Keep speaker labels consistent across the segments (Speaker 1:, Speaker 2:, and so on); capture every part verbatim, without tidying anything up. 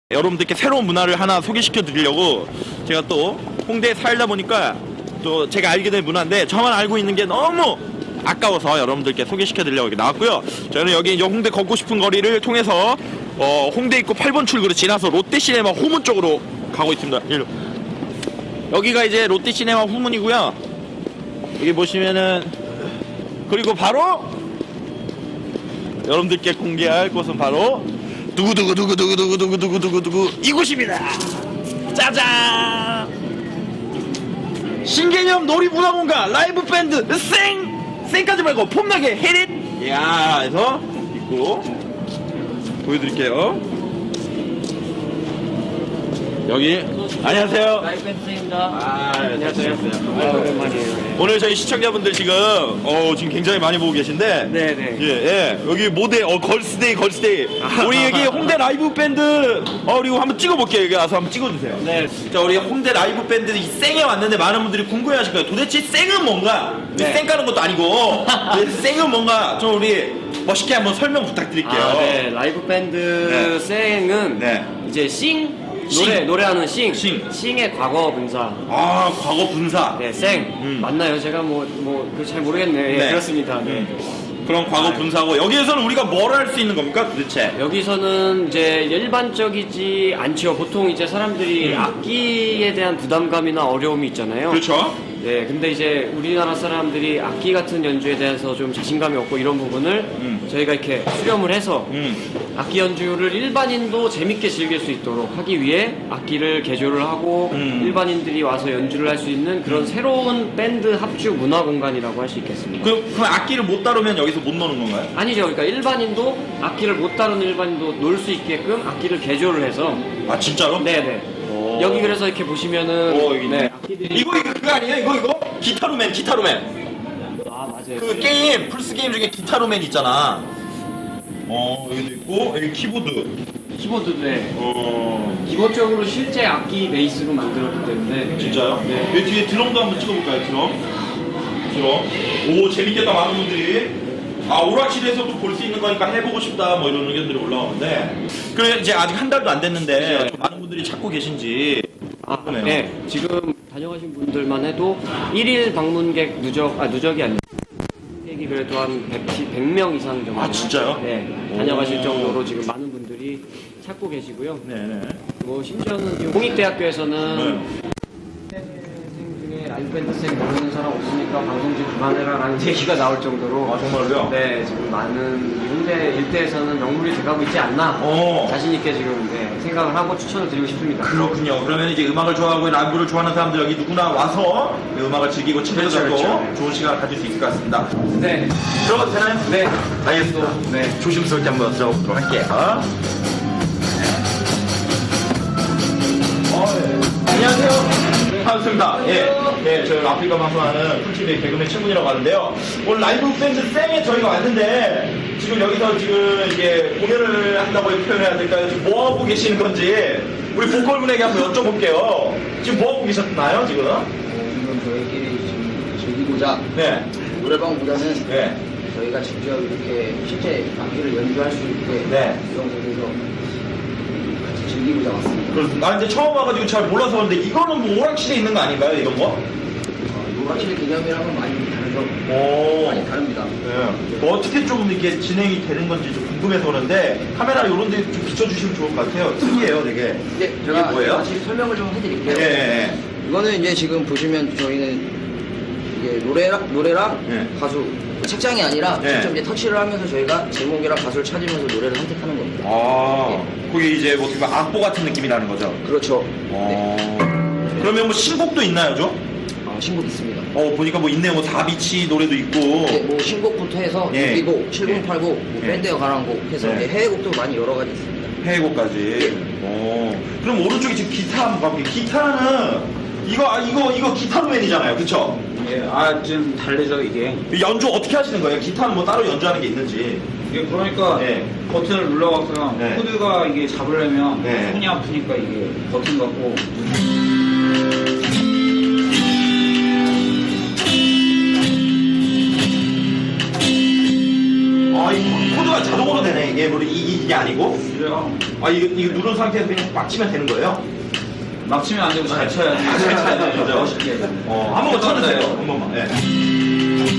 Speaker 1: 여러분들께 새로운 문화를 하나 소개시켜 드리려고 제가 또 홍대에 살다 보니까 또 제가 알게 된 문화인데 저만 알고 있는 게 너무 아까워서 여러분들께 소개시켜 드리려고 이렇게 나왔고요. 저는 여기 이제 홍대 걷고 싶은 거리를 통해서 어, 홍대 입구 팔 번 출구로 지나서 롯데시네마 후문 쪽으로 가고 있습니다. 일로. 여기가 이제 롯데시네마 후문이고요. 여기 보시면은 그리고 바로 여러분들께 공개할 곳은 바로 두구두구두구두구두구두구두구두구 이곳입니다. 짜잔! 신개념 놀이문화공간 라이브 밴드 쌩! 쌩까지 말고 폼나게 헤릿! 이야 해서 있고 보여드릴게요. 여기 안녕하세요.
Speaker 2: 라이브 밴드입니다.
Speaker 1: 아, 안녕하세요.
Speaker 2: 아, 오랜만이에요.
Speaker 1: 오늘 저희 시청자분들 지금 어 지금 굉장히 많이 보고 계신데
Speaker 2: 네네.
Speaker 1: 예, 예. 여기 모델 어 걸스데이 걸스데이 우리 여기 홍대 라이브 밴드 어 그리고 한번 찍어볼게요. 여기 와서 한번 찍어주세요.
Speaker 2: 네.
Speaker 1: 자 우리 홍대 라이브 밴드 이 쌩에 왔는데 많은 분들이 궁금해하실 거예요. 도대체 쌩은 뭔가?
Speaker 2: 네.
Speaker 1: 쌩 까는 것도 아니고 쌩은 뭔가 좀 우리 멋있게 한번 설명 부탁드릴게요.
Speaker 2: 아, 네. 라이브 밴드
Speaker 1: 네.
Speaker 2: 쌩은
Speaker 1: 네.
Speaker 2: 이제 싱
Speaker 1: 싱.
Speaker 2: 노래 노래하는 싱.
Speaker 1: 싱.
Speaker 2: 싱의 과거 분사.
Speaker 1: 아 과거 분사.
Speaker 2: 네, 쌩.
Speaker 1: 음.
Speaker 2: 맞나요? 제가 뭐 뭐 잘 모르겠네. 예,
Speaker 1: 네.
Speaker 2: 그렇습니다. 네.
Speaker 1: 그런 과거
Speaker 2: 아,
Speaker 1: 분사고 여기에서는 우리가 뭘 할 수 있는 겁니까 도대체?
Speaker 2: 여기서는 이제 일반적이지 않죠. 보통 이제 사람들이
Speaker 1: 음.
Speaker 2: 악기에 대한 부담감이나 어려움이 있잖아요.
Speaker 1: 그렇죠.
Speaker 2: 네, 근데 이제 우리나라 사람들이 악기 같은 연주에 대해서 좀 자신감이 없고 이런 부분을
Speaker 1: 음.
Speaker 2: 저희가 이렇게 수렴을 해서
Speaker 1: 음.
Speaker 2: 악기 연주를 일반인도 재밌게 즐길 수 있도록 하기 위해 악기를 개조를 하고
Speaker 1: 음.
Speaker 2: 일반인들이 와서 연주를 할 수 있는 그런 새로운 밴드 합주 문화 공간이라고 할 수 있겠습니다.
Speaker 1: 그, 그럼 악기를 못 다루면 여기서 못 노는 건가요?
Speaker 2: 아니죠. 그러니까 일반인도 악기를 못 다루는 일반인도 놀 수 있게끔 악기를 개조를 해서
Speaker 1: 아 진짜로?
Speaker 2: 네네.
Speaker 1: 오.
Speaker 2: 여기 그래서 이렇게 보시면은
Speaker 1: 오, 여기 있네.
Speaker 2: 네, 악기들이
Speaker 1: 이거 이거 그거 아니에요? 이거 이거? 기타로맨 기타로맨
Speaker 2: 아 맞아요.
Speaker 1: 그 게임 플스 게임 중에 기타로맨 있잖아. 어 여기도 있고 여기 키보드.
Speaker 2: 키보드인데
Speaker 1: 어
Speaker 2: 기본적으로 실제 악기 베이스로 만들었기 때문에
Speaker 1: 진짜요?
Speaker 2: 네.
Speaker 1: 여기 뒤에 드럼도 한번 찍어볼까요? 드럼. 드럼. 오 재밌겠다 많은 분들이. 아 오락실에서도 볼 수 있는 거니까 해보고 싶다 뭐 이런 의견들이 올라오는데 그래 이제 아직 한 달도 안 됐는데
Speaker 2: 네.
Speaker 1: 좀 많은 분들이 찾고 계신지
Speaker 2: 아,
Speaker 1: 그러네요.
Speaker 2: 네. 지금 다녀가신 분들만 해도 일일 방문객 누적, 아, 누적이 아니라 객이 그래도 한 백 명 이상 정도.
Speaker 1: 아, 진짜요?
Speaker 2: 네. 다녀가실
Speaker 1: 오.
Speaker 2: 정도로 지금 많은 분들이 찾고 계시고요.
Speaker 1: 네네.
Speaker 2: 뭐, 심지어는 지금 공익대학교에서는
Speaker 1: 네.
Speaker 2: 생 중에 라이브 밴드 생 모르는 사람 없으니까 방송 좀 그만해라라는 얘기가 나올 정도로.
Speaker 1: 아 정말로요?
Speaker 2: 네, 지금 많은 홍대 일대에서는 명물이 돼가고 있지 않나.
Speaker 1: 어.
Speaker 2: 자신있게 지금 네, 생각을 하고 추천을 드리고 싶습니다.
Speaker 1: 그렇군요. 그러면 이제 음악을 좋아하고 라이브를 좋아하는 사람들 여기 누구나 와서 이 음악을 즐기고 친구들도
Speaker 2: 그렇죠, 그렇죠.
Speaker 1: 좋은 시간을 가질 수 있을 것 같습니다.
Speaker 2: 네.
Speaker 1: 들어가도 되나요?
Speaker 2: 네.
Speaker 1: 알겠습니다.
Speaker 2: 네.
Speaker 1: 조심스럽게 한번 들어가 보도록 할게요. 어, 예. 안녕하세요. 반갑습니다. 예, 예, 저희 아프리카 방송하는 풀티비의 개그맨 친구이라고 하는데요. 오늘 라이브 밴드 쌩에 저희가 왔는데 지금 여기서 지금 이게 공연을 한다고 표현해야 될까요? 지금 뭐 하고 계시는 건지 우리 보컬분에게 한번 여쭤볼게요. 지금 뭐 하고 계셨나요, 지금?
Speaker 3: 지금 저희끼리 지금 즐기고자
Speaker 1: 네,
Speaker 3: 노래방보다는
Speaker 1: 네,
Speaker 3: 저희가 직접 이렇게 실제 악기를 연주할 수 있게
Speaker 1: 네.
Speaker 3: 이런 곳에서 같이 즐기고자 왔습니다.
Speaker 1: 그렇습니다. 나 이제 처음 와가지고 잘 몰라서 그런데 이거는 뭐 오락실에 있는 거 아닌가요, 이런 거?
Speaker 3: 어, 노락실 개념이랑은 많이 다르죠.
Speaker 1: 오.
Speaker 3: 많이 다릅니다.
Speaker 1: 네. 뭐 어떻게 좀 이게 진행이 되는 건지 좀 궁금해서 그러는데 카메라 이런 데 좀 비춰주시면 좋을 것 같아요. 특이해요, 되게.
Speaker 3: 이제
Speaker 1: 이게
Speaker 3: 제가
Speaker 1: 뭐예요?
Speaker 3: 같이 설명을 좀 해드릴게요.
Speaker 1: 예, 예,
Speaker 3: 이거는 이제 지금 보시면 저희는 이게 노래랑 노래랑
Speaker 1: 예.
Speaker 3: 가수 책장이 아니라
Speaker 1: 네.
Speaker 3: 직접 이제 터치를 하면서 저희가 제목이랑 가수를 찾으면서 노래를 선택하는 겁니다.
Speaker 1: 아, 그게 이제 뭐 어떻게 보면 악보 같은 느낌이라는 거죠.
Speaker 3: 그렇죠. 네.
Speaker 1: 어. 그러면 뭐 신곡도 있나요, 저?
Speaker 3: 아, 신곡 있습니다.
Speaker 1: 어, 보니까 뭐 있네요. 뭐 다비치 노래도 있고.
Speaker 3: 네, 뭐 신곡부터 해서
Speaker 1: 예.
Speaker 3: 유비곡, 칠공팔곡, 뭐
Speaker 1: 예.
Speaker 3: 밴드에 관한 곡 해서
Speaker 1: 네.
Speaker 3: 이제 해외곡도 많이 여러 가지 있습니다.
Speaker 1: 해외곡까지. 어. 그럼 오른쪽에 지금 기타 한번 가볼게요. 기타는 이거 아, 이거 이거 기타로맨이잖아요, 그쵸?
Speaker 4: 예, 아, 좀 다르죠, 이게.
Speaker 1: 연주 어떻게 하시는 거예요? 기타는 뭐 따로 연주하는 게 있는지.
Speaker 4: 이게 그러니까
Speaker 1: 네.
Speaker 4: 버튼을 눌러갖고요.
Speaker 1: 네.
Speaker 4: 코드가 이게 잡으려면
Speaker 1: 네.
Speaker 4: 손이 아프니까 이게 버튼 갖고.
Speaker 1: 아, 이 코드 모드가 자동으로 되네. 이게 뭐 이게, 이게 아니고.
Speaker 4: 그래요.
Speaker 1: 아 이거 이거 누른 상태에서 그냥 막 치면 되는 거예요?
Speaker 4: 막 치면 안 되고 잘 쳐야 돼.
Speaker 1: 잘 쳐야 돼요, 진짜.
Speaker 4: 멋있게.
Speaker 1: 어, 한 번만 쳐주세요. 한 번만. 예.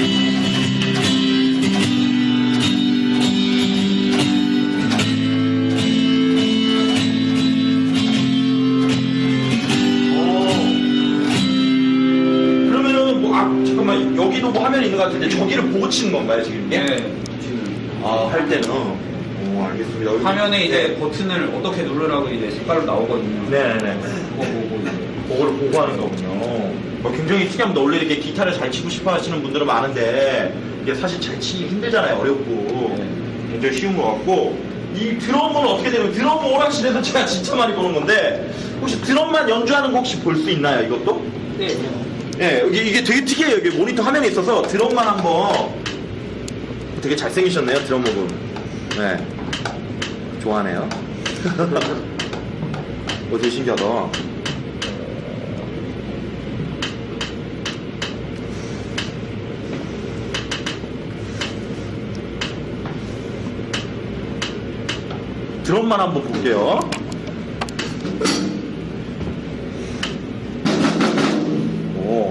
Speaker 1: 그러면은 뭐, 아, 잠깐만, 여기도 뭐 화면이 있는 것 같은데, 저기를 보고 치는 건가요, 지금 이게?
Speaker 4: 네. 지금
Speaker 1: 아, 할 때는. 오, 알겠습니다. 여기-
Speaker 4: 화면에 이제
Speaker 1: 네.
Speaker 4: 버튼을 어떻게 누르라고 이제 색깔로 나오거든요.
Speaker 1: 네네네.
Speaker 4: 그거 보고 이제.
Speaker 1: 그거를 보고 하는 거군요. 뭐 굉장히 특이합니다. 원래 이렇게 기타를 잘 치고 싶어 하시는 분들은 많은데, 이게 사실 잘 치기 힘들잖아요. 어렵고.
Speaker 4: 네.
Speaker 1: 굉장히 쉬운 것 같고, 이 드럼은 어떻게 되면, 드럼 오락실에서 제가 진짜 많이 보는 건데, 혹시 드럼만 연주하는 거 혹시 볼 수 있나요, 이것도?
Speaker 2: 네.
Speaker 1: 예, 이게, 이게 되게 특이해요. 이게 모니터 화면에 있어서 드럼만 한번 되게 잘생기셨네요, 드럼 모금. 네. 좋아하네요. 어, 되게 신기하다. 드럼만 한번 볼게요. 오.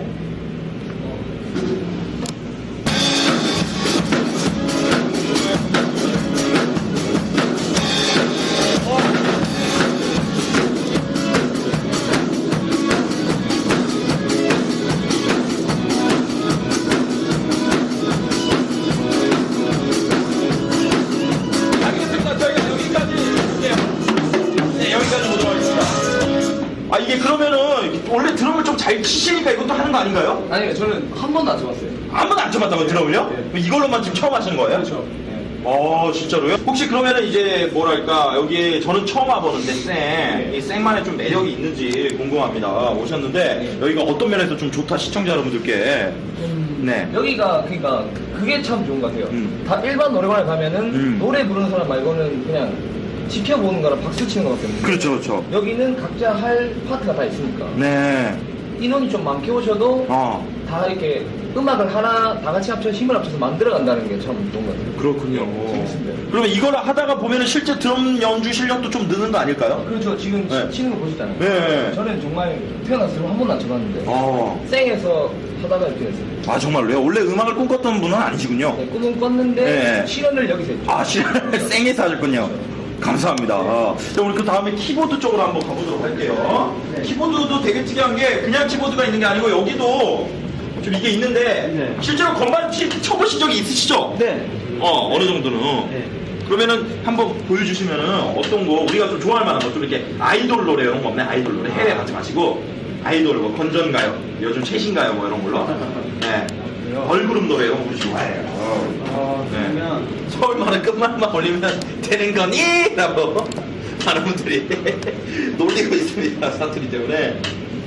Speaker 1: 알겠습니다. 저희가 여기까지 해볼게요. 네, 여기까지 보도록 하겠습니다. 아, 이게 그러면은 원래 드럼을 좀 잘 치시니까 이것도 하는 거 아닌가요?
Speaker 2: 아니요, 저는 한 번도 안 쳐봤어요.
Speaker 1: 한 번도 안 쳐봤다고요, 드럼을요?
Speaker 2: 네.
Speaker 1: 이걸로만 지금 처음 하시는 거예요?
Speaker 2: 그렇죠.
Speaker 1: 어, 진짜로요? 혹시 그러면은 이제 뭐랄까, 여기 저는 처음 와보는데, 쌩,
Speaker 2: 네.
Speaker 1: 이 쌩만의 좀 매력이 있는지 궁금합니다. 오셨는데, 여기가 어떤 면에서 좀 좋다, 시청자 여러분들께. 네.
Speaker 5: 여기가 그러니까 그게 참 좋은 것 같아요.
Speaker 1: 음.
Speaker 5: 다 일반 노래방에 가면은
Speaker 1: 음.
Speaker 5: 노래 부르는 사람 말고는 그냥 지켜보는 거랑 박수 치는 것밖에 없는데
Speaker 1: 그렇죠, 그렇죠.
Speaker 5: 여기는 각자 할 파트가 다 있으니까
Speaker 1: 네.
Speaker 5: 인원이 좀 많게 오셔도
Speaker 1: 어,
Speaker 5: 다 이렇게 음악을 하나 다 같이 합쳐 힘을 합쳐서 만들어 간다는 게 참 좋은 것 같아요.
Speaker 1: 그렇군요.
Speaker 5: 재밌습니다.
Speaker 1: 그러면 이걸 하다가 보면은 실제 드럼 연주 실력도 좀 느는 거 아닐까요?
Speaker 5: 그렇죠. 지금
Speaker 1: 네.
Speaker 5: 치- 치는 거 보시잖아요.
Speaker 1: 네.
Speaker 5: 저는 정말 태어나서 드럼 한 번도 안 쳐봤는데
Speaker 1: 어.
Speaker 5: 쌩에서 하다가 이렇게 됐어요.
Speaker 1: 아, 정말로요? 원래 음악을 꿈꿨던 분은 아니시군요.
Speaker 5: 네, 꿈은 꿨는데
Speaker 1: 네.
Speaker 5: 실현을 여기서 했죠.
Speaker 1: 아, 실 쌩에서 하셨군요. 감사합니다. 자, 우리 그 다음에 키보드 쪽으로 한번 가보도록 할게요.
Speaker 5: 네.
Speaker 1: 키보드도 되게 특이한 게 그냥 키보드가 있는 게 아니고 여기도 좀 이게 있는데
Speaker 5: 네.
Speaker 1: 실제로 건반 치, 쳐보신 적이 있으시죠?
Speaker 5: 네.
Speaker 1: 어, 어느 정도는.
Speaker 5: 네.
Speaker 1: 그러면은 한번 보여주시면은 어떤 거 우리가 좀 좋아할 만한 거 좀 이렇게 아이돌 노래 이런 거 없네? 아이돌 노래 해외 가지 마시고 아이돌 뭐 건전가요, 요즘 최신가요 뭐 이런 걸로. 네. 걸그룹 노래 이런 거 우리 좋아해요.
Speaker 5: 어,
Speaker 1: 네.
Speaker 5: 그러면
Speaker 1: 서울말은 끝말만 올리면 되는 거니? 라고 많은 분들이 놀리고 있습니다. 사투리 때문에.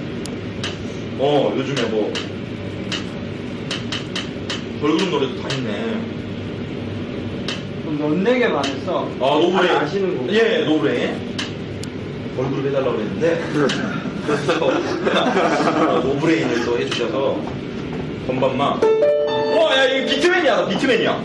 Speaker 1: 어, 요즘에 뭐 걸그룹 노래도 다 있네.
Speaker 2: 연내게 반해서
Speaker 1: 아, 노브레.
Speaker 2: 잘 아시는 거고.
Speaker 1: 예, 노브레. 걸그룹 해달라고 그랬는데 그래서 노브레인을 또 해주셔서 건반만. 와, 야, 이거 비트맨이야, 나 비트맨이야.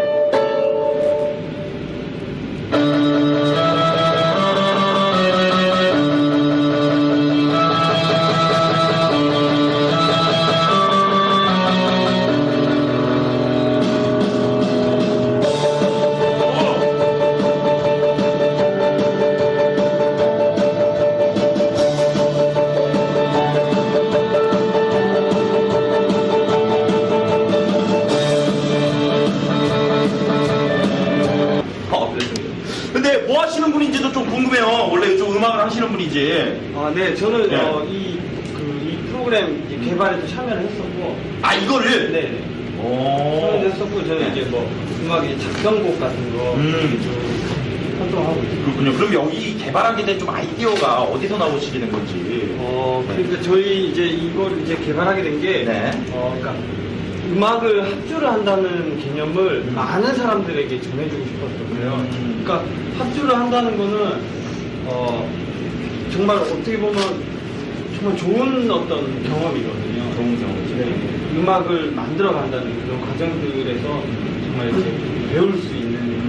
Speaker 1: 어, 그랬습니다. 근데 뭐 하시는 분인지도 좀 궁금해요. 원래 이쪽 음악을 하시는 분인지.
Speaker 2: 아, 네, 저는
Speaker 1: 네.
Speaker 2: 어, 이, 그, 이 프로그램 이제 개발에도 참여를 했었고,
Speaker 1: 아, 이거를?
Speaker 2: 네, 네.
Speaker 1: 오.
Speaker 2: 참여도 했었고, 저는 이제 뭐 음악 이제 작성곡 같은 거
Speaker 1: 음.
Speaker 2: 좀 활동하고 있어요.
Speaker 1: 그렇군요. 그럼 여기 개발하게 된 좀 아이디어가 어디서 나오시게 된 건지.
Speaker 2: 어, 그러니까 저희 이제 이걸 이제 개발하게 된 게,
Speaker 1: 네.
Speaker 2: 어, 그러니까 음악을 합주를 한다는 개념을
Speaker 1: 음.
Speaker 2: 많은 사람들에게 전해주고 싶었던 거예요.
Speaker 1: 음.
Speaker 2: 그러니까 합주를 한다는 거는 어, 정말 어떻게 보면 정말 좋은 어떤 경험이거든요.
Speaker 1: 좋은 경험이죠.
Speaker 2: 네. 음악을 만들어 간다는 그런 과정들에서 정말 이제 배울 수 있는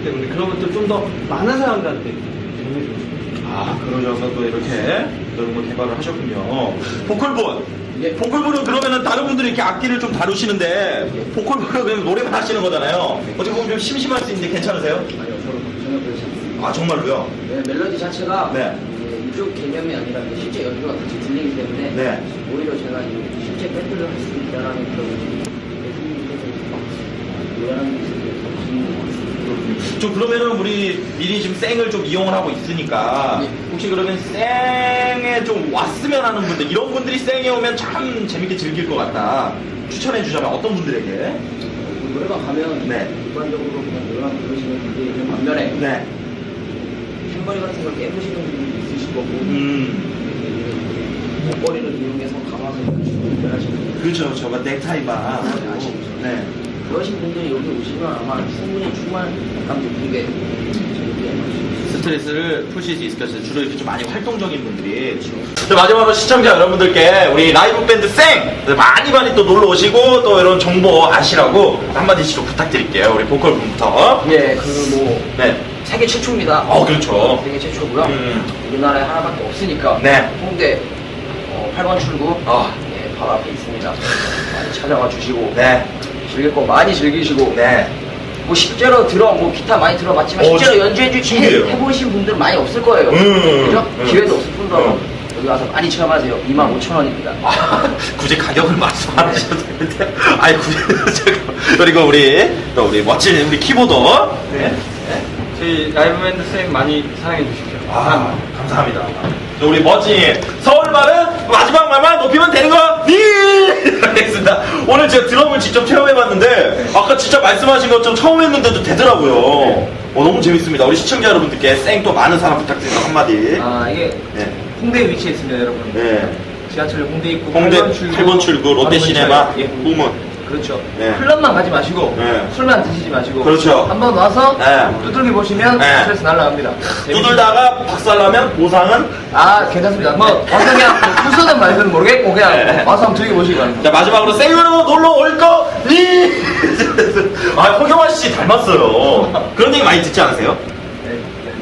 Speaker 6: 있기 때문에 그런 것들 좀 더 많은 사람들한테 제공해주고 싶습니다.
Speaker 1: 아, 그러셔서 또 이렇게 그런 걸 개발을 하셨군요. 보컬본.
Speaker 3: 예.
Speaker 1: 보컬본은 그러면은 다른 분들이 이렇게 악기를 좀 다루시는데 보컬본은 그냥 노래만 하시는 거잖아요. 어떻게 보면 좀 심심할 수 있는데 괜찮으세요?
Speaker 3: 아니요, 저는 전혀 그렇지 않습니다.
Speaker 1: 아, 정말로요?
Speaker 3: 네, 멜로디 자체가
Speaker 1: 네.
Speaker 3: 이제 이쪽 개념이 아니라 이제 실제 연주가 같이 들리기 때문에
Speaker 1: 네.
Speaker 3: 오히려 제가 이제 실제 밴드를 할 수 있다라는 그런 대중분께서 노래하는 모습이 더 재밌는 것 같습니다.
Speaker 1: 좀 그러면은 우리 미리 지금 쌩을 좀 이용을 하고 있으니까
Speaker 3: 네.
Speaker 1: 혹시 그러면 쌩에 좀 왔으면 하는 분들 이런 분들이 쌩에 오면 참 재밌게 즐길 것 같다 추천해 주자면 어떤 분들에게?
Speaker 3: 그 노래방 가면
Speaker 1: 네.
Speaker 3: 일반적으로 그냥 노래방 부르시는 분들이 있는 반면에
Speaker 1: 네.
Speaker 3: 탬버리 같은 걸 깨부시는 분들도 있으실 거고
Speaker 1: 음.
Speaker 3: 목걸이를 이용해서 감아서 연주를 하시는 분들
Speaker 1: 그렇죠. 저거 넥타이바.
Speaker 3: 네, 아시죠?
Speaker 1: 네.
Speaker 3: 그러신 분들이 여기 오시면 아마 충분히 충분한 약간 느끼게 재밌게 해주실
Speaker 1: 스트레스를 푸실 수 있을 것 같아요. 주로 이렇게 좀 많이 활동적인 분들이. 자, 마지막으로 시청자 여러분들께 우리 라이브 밴드 쌩 많이 많이 또 놀러 오시고 또 이런 정보 아시라고 한마디씩 좀 부탁드릴게요. 우리 보컬 분부터.
Speaker 3: 예, 그 뭐
Speaker 1: 네.
Speaker 3: 세계 최초입니다.
Speaker 1: 어, 그렇죠.
Speaker 3: 세계 최초고요.
Speaker 1: 음.
Speaker 3: 우리나라에 하나밖에 없으니까
Speaker 1: 네.
Speaker 3: 홍대 어, 팔 번 출구
Speaker 1: 아.
Speaker 3: 예, 바로 앞에 있습니다. 많이 찾아와 주시고
Speaker 1: 네.
Speaker 3: 즐길 거 많이 즐기시고
Speaker 1: 네.
Speaker 3: 뭐 실제로 들어 뭐 기타 많이 들어봤지만
Speaker 1: 어,
Speaker 3: 실제로
Speaker 1: 진-
Speaker 3: 연주해 주
Speaker 1: 신기해요.
Speaker 3: 해보신 분들 많이 없을 거예요.
Speaker 1: 음,
Speaker 3: 그죠?
Speaker 1: 음.
Speaker 3: 기회도 없을 뿐더러
Speaker 1: 음.
Speaker 3: 여기 와서 많이 체험하세요. 이만 오천 원입니다.
Speaker 1: 아, 굳이 가격을 말씀 안 하셔도 되는데. 아니, 굳이. 제가. 그리고 우리, 또 우리 멋진 우리 키보더. 네.
Speaker 6: 저희 라이브 밴드 쌤 많이 사랑해 주십시오.
Speaker 1: 아, 감사합니다. 또 우리 멋진 서울말은 마지막 말만 높이면 되는 거, 니! 알겠습니다. 오늘 제가 드럼을 직접 체험해봤는데, 아까 진짜 말씀하신 것처럼 처음 했는데도 되더라고요. 어, 너무 재밌습니다. 우리 시청자 여러분들께 쌩 또 많은 사랑 부탁드립니다. 한마디.
Speaker 5: 아 이게
Speaker 1: 네.
Speaker 5: 홍대에 위치해 있습니다, 여러분.
Speaker 1: 네.
Speaker 5: 지하철 홍대 입구
Speaker 1: 홍대
Speaker 5: 팔 번 출구,
Speaker 1: 팔 번 출구, 롯데시네마,
Speaker 5: 바로 근처에. 예.
Speaker 1: 후문.
Speaker 5: 그렇죠.
Speaker 1: 네.
Speaker 5: 클럽만 가지 마시고
Speaker 1: 네.
Speaker 5: 술만 드시지 마시고
Speaker 1: 그렇죠.
Speaker 5: 한번 와서
Speaker 1: 네.
Speaker 5: 두들겨 보시면
Speaker 1: 네.
Speaker 5: 스트레스 날라갑니다.
Speaker 1: 두들다가 박살나면 보상은?
Speaker 5: 아 괜찮습니다. 뭐 와서 그냥 순서든 말든 모르겠고 그냥
Speaker 1: 네.
Speaker 5: 와서 한번 즐겨 보시기 바랍니다.
Speaker 1: 자, 마지막으로 생으로 놀러 올 거, 니! 아, 허경환 씨 닮았어요. 그런 얘기 많이 듣지 않으세요?
Speaker 5: 네.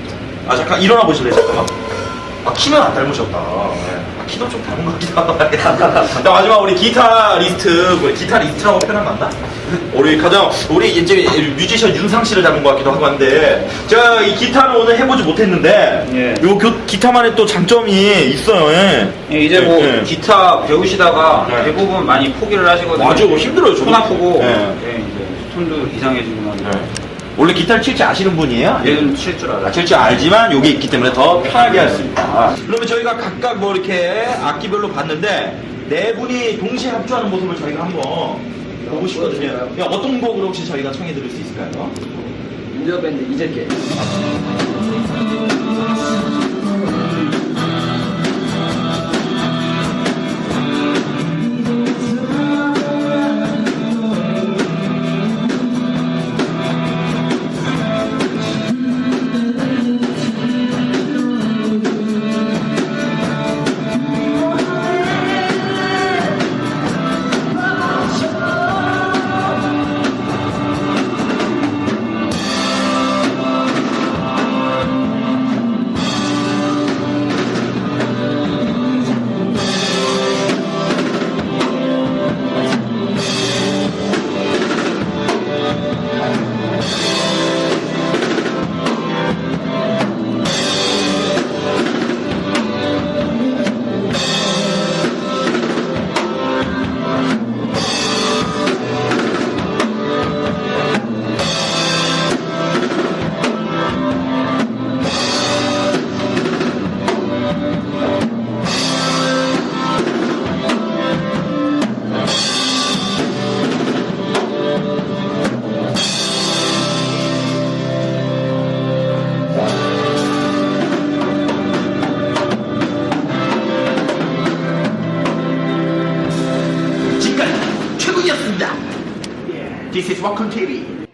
Speaker 1: 아, 잠깐 일어나 보실래요, 잠깐만? 아, 키는 안 닮으셨다. 네. 아, 키도 좀 닮은 것 같기도 하고. 자, 마지막 우리 기타리스트, 뭐, 기타리스트라고 표현 맞나? 우리 가장, 우리 이제 뮤지션 윤상 씨를 닮은 것 같기도 하고 한데, 제가 이 기타를 오늘 해보지 못했는데,
Speaker 4: 예.
Speaker 1: 요 교- 기타만의 또 장점이 있어요, 예.
Speaker 4: 예, 이제 뭐
Speaker 1: 네, 네.
Speaker 4: 기타 배우시다가
Speaker 1: 네.
Speaker 4: 대부분 많이 포기를 하시거든요.
Speaker 1: 맞아요. 뭐 힘들어요, 저도.
Speaker 4: 손 아프고
Speaker 1: 네.
Speaker 4: 예, 이제 톤도 이상해지고 막
Speaker 1: 네. 원래 기타를 칠 줄 아시는 분이에요?
Speaker 4: 얘는 칠 줄 알아요.
Speaker 1: 아, 칠 줄 알지만 여기 있기 때문에 더 편하게 할 수 있다. 그러면 저희가 각각 뭐 이렇게 악기별로 봤는데 네 분이 동시에 합주하는 모습을 저희가 한번 보고 싶거든요. 야, 어떤 곡으로 혹시 저희가 청해 들을 수 있을까요?
Speaker 3: 인디어 밴드 이재께
Speaker 1: 지금까지 최군이었습니다. This is Welcome 티비.